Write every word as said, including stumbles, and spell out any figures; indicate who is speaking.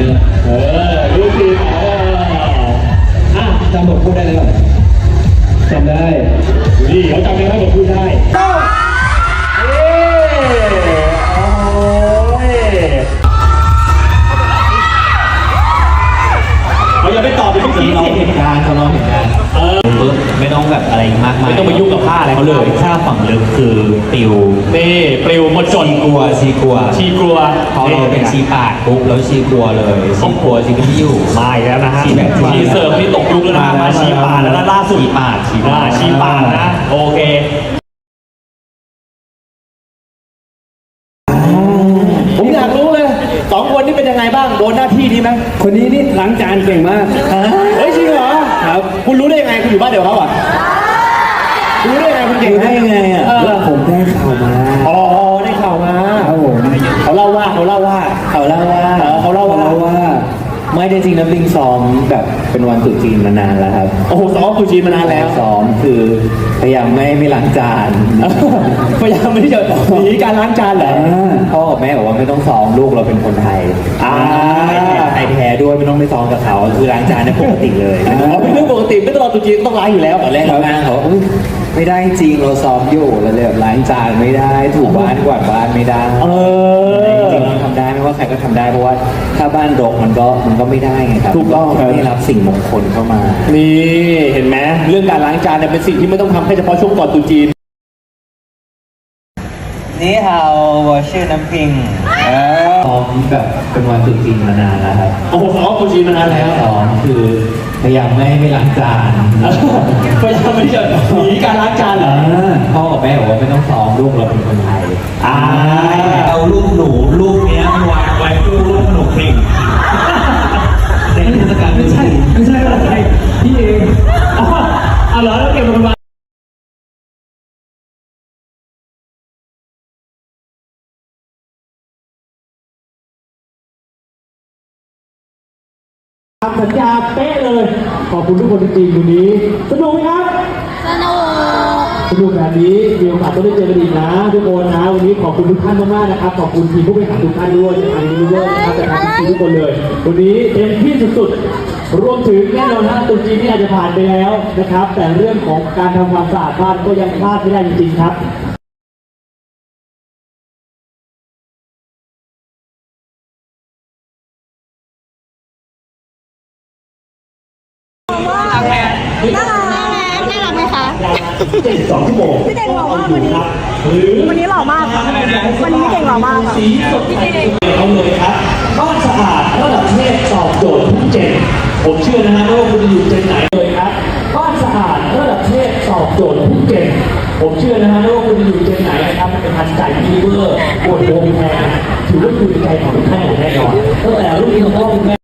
Speaker 1: นะเออลูกทีมเอออ่ะจำบทพูดได้เลยป่ะจำได้นี่เขาจำได้บทพูดได้เอ้โอ้ยเราอย่าไปตอบไปเมื่อกี้สิเหตุการณ์เขาลองเหตุการณ์เออ
Speaker 2: ไม่ต้องแบบอะไรมากมาย
Speaker 1: ไม่ต้องไปยุ่งกับผ้าอะไรเขาเลย
Speaker 2: ถ้าฝั่งลึกคือปิว
Speaker 1: นี่ปิวหมดจน
Speaker 2: กลัวชีกลัว
Speaker 1: ชีกลัว
Speaker 2: พอเราเป็นชีปาดปุ๊บแล้วชีกลัวเลยชีกลัวชีไม่อยู่
Speaker 1: มาอีกแล้วนะฮะชีเสิร์ฟนี่ตกยุคแล้วนะมาชีปาดแล้วล่าสุด
Speaker 2: ชีปาดชี
Speaker 1: ปาดชีปาดนะโอเคผมอยากรู้เลยสองคนนี้เป็นยังไงบ้างโดนหน้าที่นี้ไหม
Speaker 3: คนนี้นี่ล้างจานเก่งมาก
Speaker 1: เฮ้ยจริงเหรอ
Speaker 3: ครับ
Speaker 1: คุณรู้ได้ยังไงคุณอยู่บ้านเดียวเขาอ่ะรู้ได้ยังไงคุณเก่ง
Speaker 3: ได้ยังไงอ่ะผมได้ข่าวมา
Speaker 1: อ๋อได้ข่าวมา
Speaker 3: ครับผม
Speaker 1: เขาเล่าว่าเขาเล่าว่า
Speaker 3: เขาเล่าว่า
Speaker 1: เขาเล่าว่า
Speaker 3: ว่าไม่ได้จริงนะปิงซ้อมแบบเป็นวันตรุษจีนมานานแล้วครับ
Speaker 1: โอ้โหซ้อมตรุษจีนมานานแล้ว
Speaker 3: ซ้อมคือพยายามไม่ไม่ล้างจาน
Speaker 1: พยายามไม่จะหนีการล้างจานเหรอ
Speaker 3: พ่อกับแม่บอกว่าไม่ต้องซ้อมลูกเราเป็นคนไทย
Speaker 1: อ่า
Speaker 3: ไทยแท้ด้วยไม่ต้องไปซ้อมกับเขาคือล้างจานเนี่ยปกติเลย
Speaker 1: อ๋อเป็นเรื่องปกติไม่ตลอดตรุษจีนต้องล้างอยู่แล้ว
Speaker 3: ตอนแรกเขาอ้างเขาไม่ได้จริงเราซ้อมอยู่เราเลยแบบล้างจานไม่ได้ถูบ้านกวาดบ้านไม่ได้
Speaker 1: เออ
Speaker 3: จริงๆเราทำได้ไม่ว่าใครก็ทำได้เพราะว่าถ้าบ้านรกมันก็มันก็ไม่ได้ไงครับ
Speaker 1: ถูกต้อง
Speaker 3: ไม่รับสิ่งมงคลเข้ามา
Speaker 1: นี่เห็นไหมเรื่องการล้างจานเนี่ยเป็นสิ่งที่ไม่ต้องทำแค่เฉพาะช่วงก่อนตรุษจีน
Speaker 3: นี่ฮาวชื่อน้ำพิงซ้อมแบบเป็นวันตรุษจีนมานานแล้วครับ
Speaker 1: โอ้โหซ้อมตรุษจีนมานานแล้ว
Speaker 3: ซ้อมคือพยายามไม่ไม่ล้างจาน
Speaker 1: พยายามไม่จะหนีการล้างจานเหรอ
Speaker 3: พ่อกับแม่บอกว่าไม่ต้องซ้อมลูกเราเป็นคนไทย
Speaker 1: อ่า
Speaker 2: เอาลูกหนูลูกเนี้ยวางไว้ลูกลูกหนูพิงในเทศกาลไม่ใช่
Speaker 1: ไม่ใช่อะไรพี่เองอ๋อเหรอแล้วเก็บมันมาสัญญาเป๊ะเลยขอบคุณทุกคนจริงๆวันนี้สนุกไหมครับ
Speaker 4: สนุก
Speaker 1: สนุกแบบนี้มีโอกาสต้องได้เจอกันอีกนะทุกคนนะวันนี้ขอบคุณทุกท่านมากๆนะครับขอบคุณทีมผู้บริหารทุกท่านด้วยจากทางยูนิเวอร์นะครับจากทางทีมทุกคนเลยวันนี้เต็มที่สุดๆรวมถึงแน่นอนฮะตุนจีนที่อาจจะผ่านไปแล้วนะครับแต่เรื่องของการทำความสะอาดบ้านก็ยังพลาดไม่ได้จริงๆครับ
Speaker 4: น่ารักน่ารักไหมคะ
Speaker 1: เจ็ดสองชั่วโมง
Speaker 4: พี่เก่งหล่อมากวันนี้วันนี้หล่อมากวันนี้พี่เก่งหล่อมากค่ะ
Speaker 1: สีสดเอาเลยครับบ้านสะอาดระดับเทพตอบโจทย์ทุกเจนผมเชื่อนะฮะว่าคุณจะอยู่เจนไหนเลยครับบ้านสะอาดระดับเทพตอบโจทย์ทุกเจนผมเชื่อนะฮะว่าคุณจะอยู่เจนไหนนะครับเป็นทันใจยูเวอร์ปวดโบงแพงถือว่าคุณใจของทุกท่านอย่างแน่นอนตั้งแต่รุ่นนี้ของพ่อคุณแม่